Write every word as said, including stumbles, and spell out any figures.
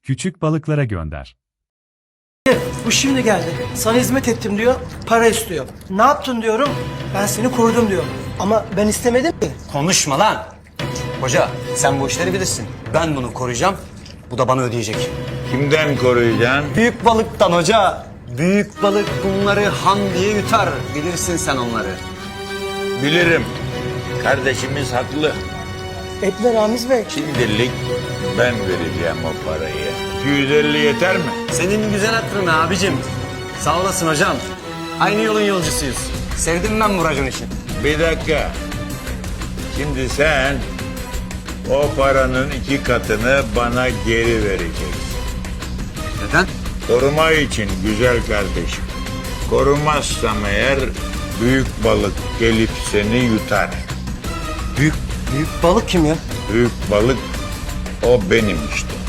küçük balıklara gönder. Bu şimdi geldi. Sana hizmet ettim diyor, para istiyor. Ne yaptın diyorum, ben seni korudum diyor. Ama ben istemedim ki. Konuşma lan. Hoca sen bu işleri bilirsin. Ben bunu koruyacağım. Bu da bana ödeyecek. Kimden koruyacaksın? Büyük balıktan hoca. Büyük balık bunları ham diye yutar. Bilirsin sen onları. Bilirim. Kardeşimiz haklı. Etme Ramiz Bey. Şimdilik ben vereceğim o parayı. iki yüz elli yeter mi? Senin güzel hatırına abicim. Sağ olasın hocam. Aynı yolun yolcusuyuz. Sevdim ben bu racon işi. Bir dakika. Şimdi sen o paranın iki katını bana geri vereceksin. Neden? Koruma için güzel kardeşim. Korumazsam eğer büyük balık gelip seni yutar. Büyük, büyük balık kim ya? Büyük balık o benim işte.